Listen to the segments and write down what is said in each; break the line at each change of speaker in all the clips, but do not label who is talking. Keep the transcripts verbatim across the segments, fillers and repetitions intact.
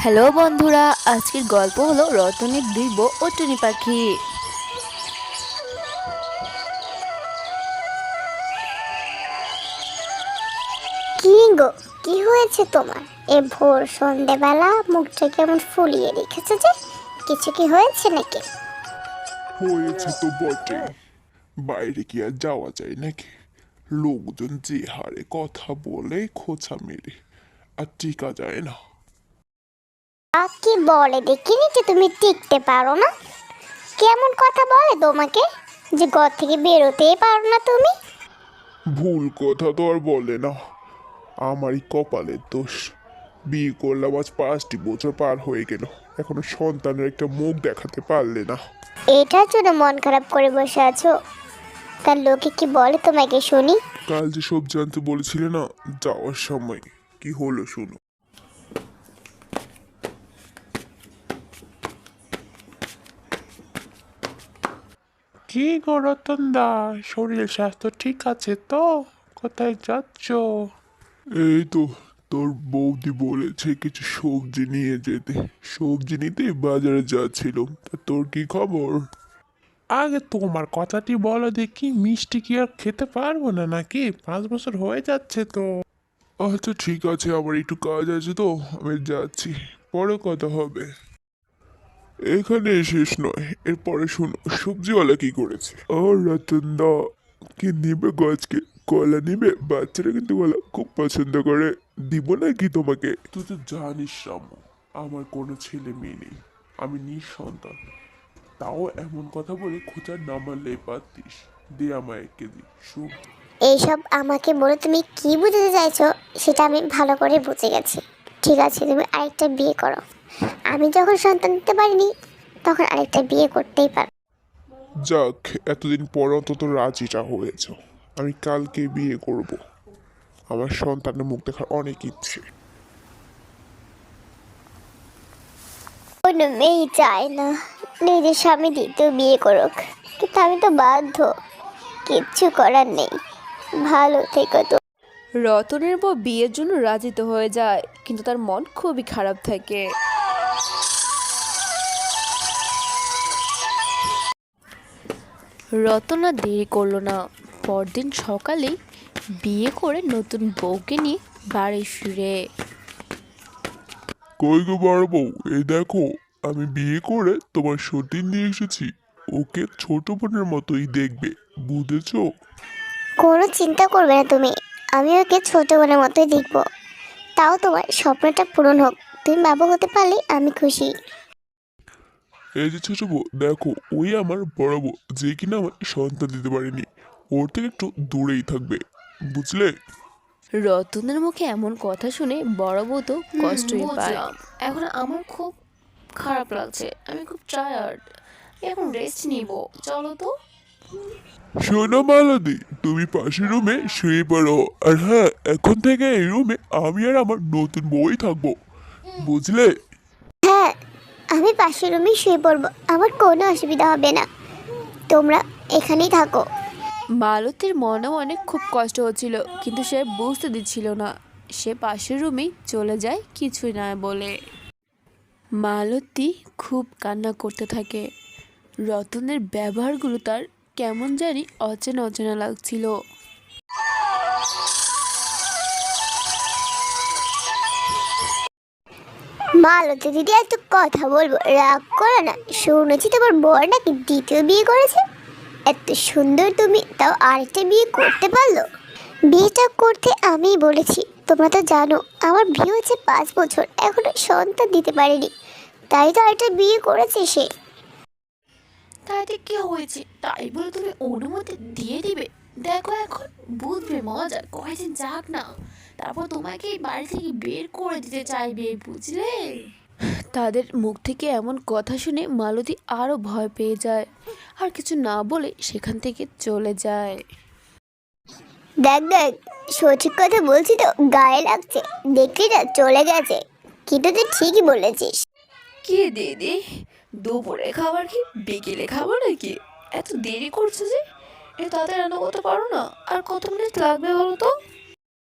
Hello বন্ধুরা, আজকের গল্প হলো রতনের দুই বউ ও টুনি পাখি।
কি গো, কি হয়েছে তোমার? এ ভোর সন্ধেবেলা মুখটা কেমন ফুলিয়ে রেখেছো যে? কিছু কি হয়েছে নাকি?
হয়েছে তো বটে। বাইরে কি আর যাওয়া যায় নাকি? লোকজন যে হারে কথা বলে খোঁচা মেরে আর টিকা যায় না।
আ কি বলে দেখিনি যে তুমি টিকতে পারো না? কেমন কথা বলে তোমাকে যে ঘর থেকে বেরোতেই পারো না তুমি?
ভুল কথা তো আর বলে না, আমারই কপালের দোষ। বিয়ে করলাম আজ পাঁচটি বছর পার হয়ে গেল, এখনো সন্তানের একটা মুখ দেখাতে পারলে না।
এটার জন্য মন খারাপ করে বসে আছো? তার লোকে কি বলে তোমাকে শুনি?
কাল যে সব জানতে বলেছিলে না যাওয়ার সময়, কি হলো শুনো। কি গো রতন দা, শরীর স্বাস্থ্য ঠিক আছে তো? কোথায় যাচ্ছ? এই তো, তোর বৌদি বলেছে কিছু সবজি নিয়ে যেতে। সবজি নিতে বাজারে যাচ্ছিলাম, তা তোর কি খবর? আগে তোমার কথাটি বলো দেখি, মিষ্টি কি আর খেতে পারবো না নাকি? পাঁচ বছর হয়ে যাচ্ছে তো। আচ্ছা ঠিক আছে, আমার একটু কাজ আছে তো আমি যাচ্ছি, পরে কথা হবে। এখানে শেষ নয়, এরপরে শোনো সবজিওয়ালা কি করেছে। ও রতন দা, কি নিবে আজকে? কলা নিবে? বাচ্চারা কিন্তু কলা খুব পছন্দ করে। দিব নাকি তোমাকে? তুই তো জানিস রামু, আমার কোনো ছেলে মেয়ে নেই, আমি নিঃসন্তান। তাও এমন কথা বলে খোঁচার না মারলেই পারতিস। দে আমায় এক কেজি সবজি।
এইসব আমাকে বলে তুমি কি বুঝতে চাইছো সেটা আমি ভালো করে বুঝে গেছি। ঠিক আছে, তুমি আরেকটা বিয়ে করো। আমি যখন সন্তান দিতে পারিনি তখন আরেকটা বিয়ে করতেই পারো।
যাক, এতদিন পর অন্তত রাজিটা হয়েছ। আমি কালকে বিয়ে করব, আমার সন্তানের মুখ দেখার অনেক ইচ্ছে।
কোনো মেয়ে চায় না নিজের স্বামী দ্বিতীয় বিয়ে করুক, কিন্তু আমি তো বাধ্য। কিচ্ছু করার নেই। ভালো থেকো তো।
রতনের বউ বিয়ের জন্য রাজি তো হয়ে যায়, কিন্তু তার মন খুবই খারাপ থাকে। রতন আর দেরি করলো না, পরদিন সকালেই বিয়ে করে নতুন বউকে নিয়ে বাড়ি ফিরে।
কই গো বড় বউ, এই দেখো, আমি বিয়ে করে তোমার সতীন নিয়ে এসেছি। ওকে ছোট বোনের মতোই দেখবে, বুঝেছো?
কোনো চিন্তা করবে না তুমি, আমি ওকে ছোট বোনের মতোই দেখবো। তাও তোমার স্বপ্নটা পূরণ হোক। তুমি বাবা হতে পারলে আমি খুশি।
এই যে ছোট বউ দেখো, ওই আমার বড় বউ, যে কিনা আমার সন্তান দিতে পারেনি। ওর থেকে একটু দূরেই থাকবে, বুঝলে?
রতনের মুখে এমন কথা শুনে বড় বউ তো কষ্টই পায়। এখন আমার খুব খারাপ লাগছে, আমি খুব টায়ার্ড, এখন রেস্ট নিব, চলো তো।
শোনো মালতী, তুমি পাশের রুমে শুয়ে পড়ো। আর হ্যাঁ, এখন থেকে এই রুমে আমি আর আমার নতুন বউই থাকবো, বুঝলে?
হ্যাঁ, আমি পাশের রুমে শুয়ে পড়বো, আমার কোনো অসুবিধা হবে না। তোমরা এখানেই থাকো।
মালতীর মনেও অনেক খুব কষ্ট হচ্ছিল, কিন্তু সে বুঝতে দিচ্ছিল না। সে পাশের রুমেই চলে যায় কিছুই না বলে। মালতী খুব কান্না করতে থাকে। রতনের ব্যবহারগুলো তার কেমন জানি অচেনা অচেনা লাগছিল।
মালতী দিদি, এত কথা বলবো, রাগ করো না। শুনেছি তোমার বর নাকি দ্বিতীয় বিয়ে করেছে। এত সুন্দর তুমি, তাও আরেকটা বিয়ে করতে পারলো? বিয়েটা করতে আমিই বলেছি। তোমরা তো জানো আমার বিয়ে হচ্ছে পাঁচ বছর, এখনো সন্তান দিতে পারেনি। তাই তো আরেকটা বিয়ে করেছে সে।
তাইতে কি হয়েছে, তাই বলে তুমি অনুমতি দিয়ে দিবে? দেখো এখন বুঝবে মজা, কয়েকদিন যাক না, তারপর তোমাকে এই বাড়ি থেকে বের করে দিতে চাইবে, বুঝলে? তাদের মুখ থেকে এমন কথা শুনে মালতী আরো ভয় পেয়ে যায়, আর কিছু না বলে সেখান থেকে চলে যায়।
দেখ দেখ, সঠিক কথা বলছি তো, গায়ে লাগছে। দেখলি না, চলে গেছে। কিন্তু তুই ঠিকই বলেছিস।
কি দিদি, দুপুরে খাবার কি বিকেলে খাবার নাকি? এত দেরি করছো যে, এ তাড়াতাড়ি রান্না করতে পারো না? আর কত মিনিট লাগবে বলো তো?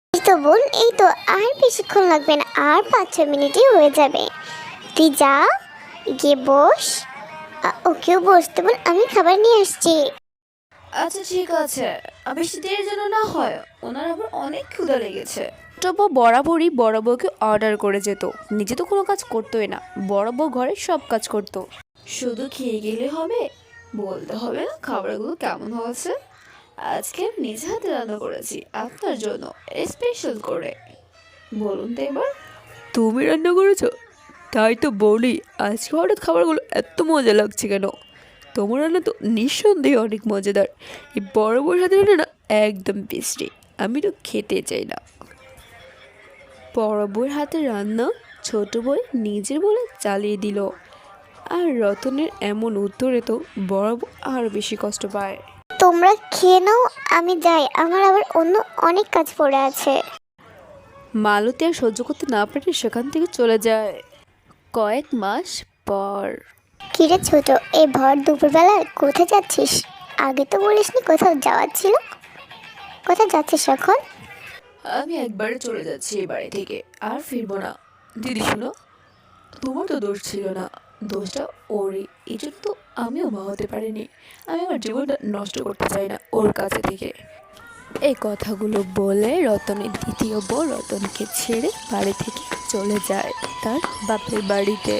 এই তো বোন, এই তো আর বেশিক্ষণ লাগবে না, আর পাঁচ ছ মিনিটই হয়ে যাবে। তুই যা, গিয়ে বস। আ, ওকেও বসতে বল, আমি খাবার নিয়ে আসছি।
আচ্ছা ঠিক আছে, আর বেশি দেরির জন্য না হয়, ওনার আবার অনেক ক্ষুধা লেগেছে। ছোট বউ বরাবরই বড় বউকে অর্ডার করে যেত, নিজে তো কোনো কাজ করতোই না, বড় বউ ঘরের সব কাজ করতো। শুধু খেয়ে গেলে হবে, বলতে হবে না খাবারগুলো কেমন হয়েছে। আজকে আমি নিজে হাতে রান্না করেছি আপনার জন্য, স্পেশাল করে। বলুন তো এবার। তুমি রান্না করেছো? তাই তো বলি, আজকে হঠাৎ খাবারগুলো এত মজা লাগছে কেন? তোমার রান্না তো নিঃসন্দেহে অনেক মজাদার। এই বড় বড় হাতে রান্না না একদম টেস্টি, আমি তো খেতে চাই না। বড় বউয়ের হাতে রান্না ছোট বউ নিজের বলে চালিয়ে দিল, আর রতনের এমন উত্তরে তো বড় বউ আরও বেশি কষ্ট পায়।
তোমরা খেয়ে নাও, আমি যাই, আমার আবার অন্য অনেক কাজ পড়ে আছে।
মালতী আর সহ্য করতে না পেরে সেখান থেকে চলে যায়। কয়েক মাস পর।
কিরে ছোট, এই ভর দুপুরবেলা কোথায় যাচ্ছিস? আগে তো বলিসনি কোথাও যাওয়ার ছিল। কোথায় যাচ্ছিস এখন?
আমি একবারে চলে যাচ্ছি এই বাড়ি থেকে, আর ফিরবো না। দিদি শুনো, তোমার তো দোষ ছিল না, দোষটা ওরই, এই জন্য তো আমিও মা হতে পারিনি। আমি আমার জীবনটা নষ্ট করতে চাই না ওর কাছে থেকে। এই কথাগুলো বলে রতনের দ্বিতীয় বউ রতনকে ছেড়ে বাড়ি থেকে চলে যায় তার বাপের বাড়িতে।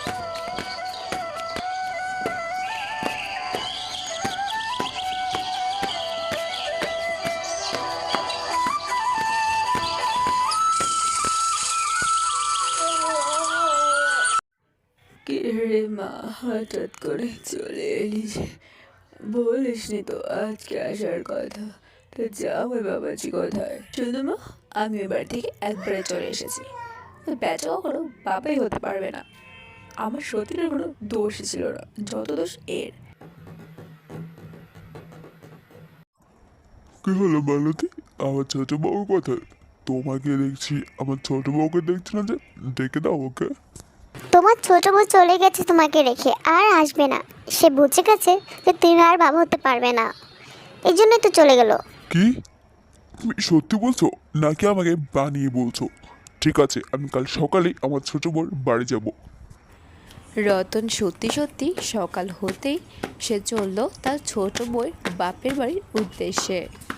কে রে মা, হঠাৎ করে চলে এলি যে? বলিসনি তো আজকে আসার কথা। তো জামাই বাবাজি কোথায়? শুধু মা, আমি এবার থেকে একবারে চলে এসেছি। বেচা কখনো বাবাই হতে পারবে না। আমার সতীনের কোনো দোষই ছিল না, যত দোষ এর।
কি হলো মালতী? আমার ছোট বউ কোথায়? তোমাকে দেখছি, আমার ছোট বউকে দেখছি না যে। ডেকে দাও ওকে।
তোমার ছোট বউ চলে গেছে তোমাকে রেখে, আর আসবে না। সে বুঝে গেছে যে তুমি আর বাবা হতে পারবে না, এই জন্যই তো চলে গেল।
কি? তুমি সত্যি বলছো নাকি আমাকে বানিয়ে বলছো? ঠিক আছে, আমি কাল সকালেই আমার ছোট বউর বাড়ি যাব।
রতন সত্যি সত্যি সকাল হতেই সে চলল তার ছোট বউয়ের বাপের বাড়ির উদ্দেশ্যে।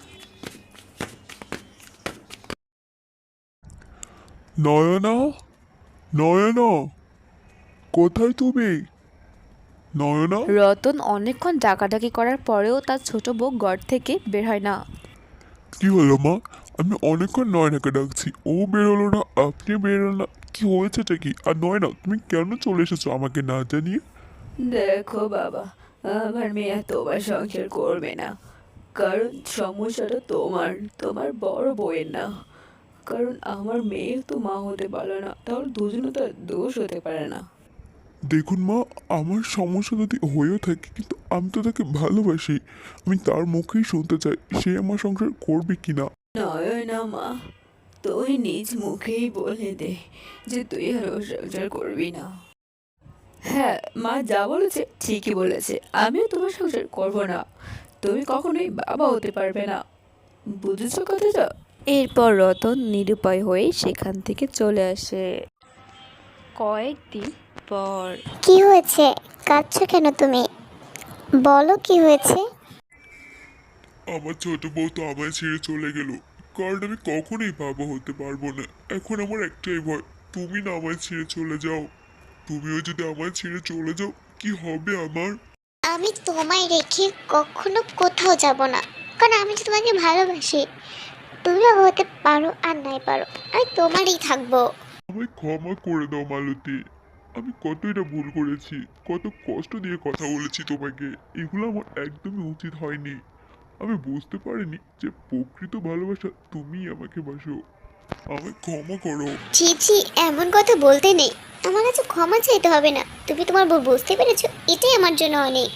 নয়না, নয়না, কোথায় তুমি? নয়না।
রতন অনেকক্ষণ ডাকাডাকি করার পরেও তার ছোট বউ ঘর থেকে বের হয় না।
কি হলো মা? আমি অনেকক্ষণ নয়নাকে ডাকছি, ও বেরোলো না, আপনি বেরোলো না, কি হয়েছেটা কি? আর নয়না, তুমি কেন চলে এসেছো আমাকে না জানিয়ে?
দেখো বাবা, আমার মেয়ে তোমার সংসার করবে না, কারণ সমস্যাটা তোমার, তোমার বড় বউয়ের না। কারণ আমার মেয়ে তো মা হতে পারে না, তাহলে দুজনে তো আর দোষ হতে পারে না।
দেখুন মা, আমার সমস্যা যদি হয়েও থাকে, কিন্তু আমি তো তাকে ভালোবাসি। আমি তার মুখেই শুনতে চাই সে আমার সংসার করবে কিনা।
নয় না মা, তুই নিজ মুখেই বলে দে যে তুই আর ওর সংসার করবি না। হ্যাঁ, মা যা বলেছে ঠিকই বলেছে, আমিও তোমার সংসার করবো না। তুমি কখনোই বাবা হতে পারবে না, বুঝেছো কথাটা? এরপর রতন নিরুপায় হয়ে সেখান থেকে চলে আসে। কয়েকদিন পর।
কি হয়েছে? কাঁদছো কেন তুমি? বলো কি হয়েছে।
আমার ছোট বউ তো আমায় ছেড়ে চলে গেল, কারণ আমি কখনোই বাবা হতে পারবো না। এখন আমার একটাই ভয়, তুমি না আমায় ছেড়ে চলে যাও। তুমিও যদি আমায় ছেড়ে চলে যাও, কি হবে আমার?
আমি তোমায় রেখে কখনো কোথাও যাব না, কারণ আমি তো তোমাকে ভালোবাসি। তুমি বাবা হতে পারো আর নাই পারো, আমি তোমারই থাকবো।
আমায় ক্ষমা করে দাও মালতী। আমি কতই না ভুল করেছি, কত কষ্ট দিয়ে কথা বলেছি তোমাকে। এগুলো আমার একদমই উচিত হয়নি। আমি বুঝতে পারিনি যে প্রকৃত ভালোবাসা তুমিই আমাকে বাসো। আমায় ক্ষমা করো।
ছি ছি, এমন কথা বলতে নেই। আমার কাছে ক্ষমা চাইতে হবে না, তুমি তোমার বউ বুঝতে পেরেছো, এটাই আমার জন্য অনেক।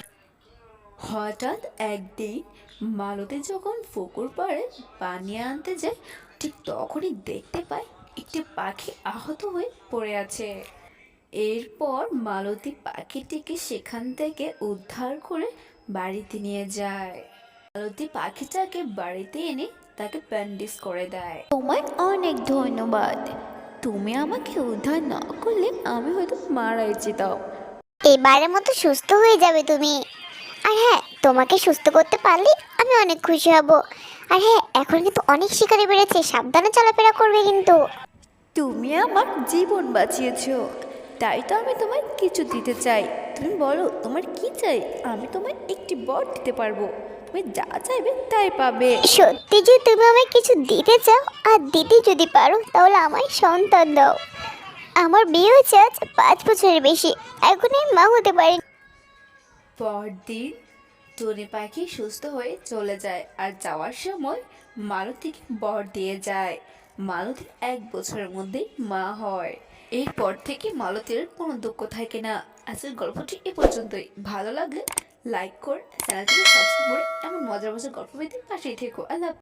হঠাৎ একদিন মালতী যখন পুকুর পাড়ে পানি আনতে যায়, ঠিক তখনই দেখতে পায় একটি পাখি আহত হয়ে পড়ে আছে। এরপর মালতী পাখিটিকে সেখান থেকে উদ্ধার করে বাড়িতে নিয়ে যায়। মালতী পাখিটাকে বাড়িতে এনে
তাকে ব্যান্ডেজ করে দেয়।
তোমায় অনেক ধন্যবাদ। তুমি আমাকে উদ্ধার না করলে আমি হয়তো মারাই যেতাম।
এবারের মতো সুস্থ হয়ে যাবে তুমি। আর হ্যাঁ, তোমাকে সুস্থ করতে পারলে আমি অনেক খুশি হব। আর হ্যাঁ, এখন কিন্তু অনেক শিকারি বেড়েছে, সাবধানে চলাফেরা করবে কিন্তু।
তুমি আমার জীবন বাঁচিয়েছো, তাই তো আমি তোমায় কিছু দিতে চাই। তুমি বলো তোমার কি চাই, আমি তোমায় একটি বর দিতে পারবো। তুমি যা চাইবে তাই পাবে।
সত্যি যে তুমি আমায় কিছু দিতে চাও আর দিতে যদি পারো তাহলে আমায় সন্তান দাও। আমার বিয়ে হয়েছে আজ পাঁচ বছরের বেশি, এখনই মা হতে পারি।
পরদিন টুনি পাখি সুস্থ হয়ে চলে যায় আর যাওয়ার সময় মালতীকে বর দিয়ে যায়। মালতী এক বছরের মধ্যেই মা হয়। এরপর থেকে মালতীর কোনো দুঃখ থাকে না। আজকের গল্পটি এ পর্যন্তই। ভালো লাগলে লাইক করে চ্যানেলটিকে সাবস্ক্রাইব করে এমন মজার মজার গল্প পেতে পাশেই থেকো। আল্লাহ।